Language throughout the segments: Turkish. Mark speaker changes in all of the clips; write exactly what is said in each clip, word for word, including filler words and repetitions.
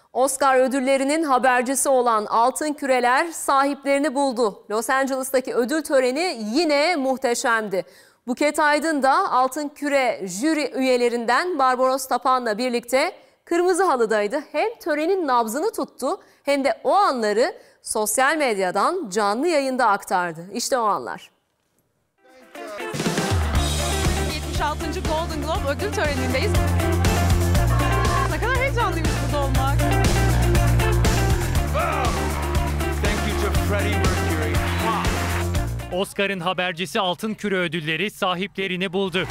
Speaker 1: Oscar ödüllerinin habercisi olan Altın Küreler sahiplerini buldu. Los Angeles'taki ödül töreni yine muhteşemdi. Buket Aydın da Altın Küre jüri üyelerinden Barbaros Tapan'la birlikte kırmızı halıdaydı. Hem törenin nabzını tuttu hem de o anları sosyal medyadan canlı yayında aktardı. İşte o anlar.
Speaker 2: yetmiş altıncı Golden Globe ödül törenindeyiz. Ne kadar heyecanlıymış burada olmak.
Speaker 3: Oscar'ın habercisi Altın Küre ödülleri sahiplerini buldu.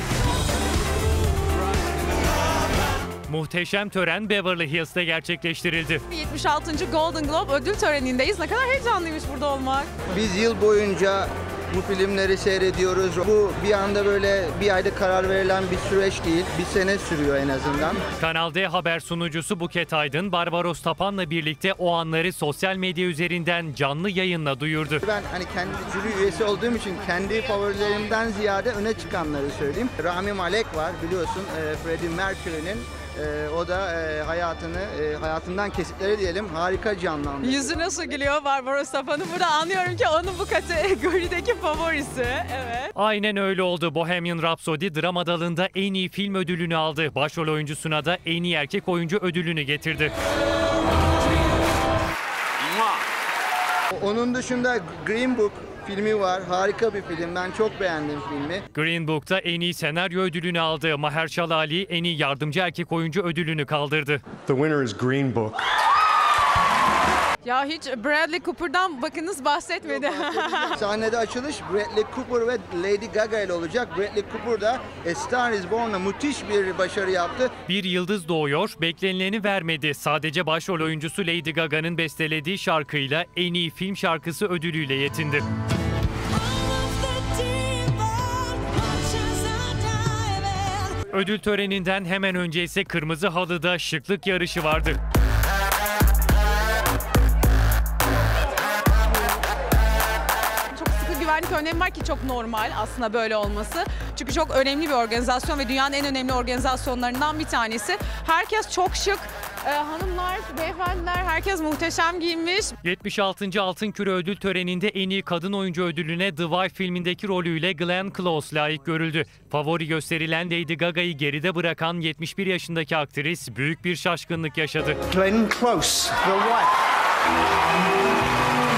Speaker 3: Muhteşem tören Beverly Hills'te gerçekleştirildi.
Speaker 2: yetmiş altıncı Golden Globe ödül törenindeyiz. Ne kadar heyecanlıymış burada olmak.
Speaker 4: Biz yıl boyunca bu filmleri seyrediyoruz. Bu bir anda böyle bir ayda karar verilen bir süreç değil. Bir sene sürüyor en azından.
Speaker 3: Kanal D haber sunucusu Buket Aydın, Barbaros Tapan'la birlikte o anları sosyal medya üzerinden canlı yayınla duyurdu.
Speaker 4: Ben hani kendi jüri üyesi olduğum için kendi favorilerimden ziyade öne çıkanları söyleyeyim. Rami Malek var biliyorsun, Freddie Mercury'nin. Ee, o da e, hayatını, e, hayatından kesitleri diyelim harika canlandırdı.
Speaker 2: Yüzü nasıl gülüyor Barbaros Tapan'ın. Burada anlıyorum ki onun bu kategorideki favorisi. Evet.
Speaker 3: Aynen öyle oldu. Bohemian Rhapsody drama dalında en iyi film ödülünü aldı. Başrol oyuncusuna da en iyi erkek oyuncu ödülünü getirdi.
Speaker 4: Onun dışında Green Book filmi var. Harika bir film. Ben çok beğendim filmi.
Speaker 3: Green Book'ta en iyi senaryo ödülünü aldı. Mahershala Ali en iyi yardımcı erkek oyuncu ödülünü kaldırdı.
Speaker 5: The winner is Green Book.
Speaker 2: Ya hiç Bradley Cooper'dan bakınız bahsetmedi.
Speaker 4: Sahnede açılış Bradley Cooper ve Lady Gaga ile olacak. Bradley Cooper da A Star Is Born'la müthiş bir başarı yaptı.
Speaker 3: Bir yıldız doğuyor, beklenileni vermedi. Sadece başrol oyuncusu Lady Gaga'nın bestelediği şarkıyla en iyi film şarkısı ödülüyle yetindi. Ödül töreninden hemen önce ise kırmızı halıda şıklık yarışı vardı.
Speaker 2: Güvenlik önlemi var ki çok normal aslında böyle olması. Çünkü çok önemli bir organizasyon ve dünyanın en önemli organizasyonlarından bir tanesi. Herkes çok şık. Ee, hanımlar, beyefendiler herkes muhteşem giyinmiş.
Speaker 3: yetmiş altıncı Altın Küre ödül töreninde en iyi kadın oyuncu ödülüne The Wife filmindeki rolüyle Glenn Close layık görüldü. Favori gösterilen Lady Gaga'yı geride bırakan yetmiş bir yaşındaki aktris büyük bir şaşkınlık yaşadı.
Speaker 4: Glenn Close, The Wife.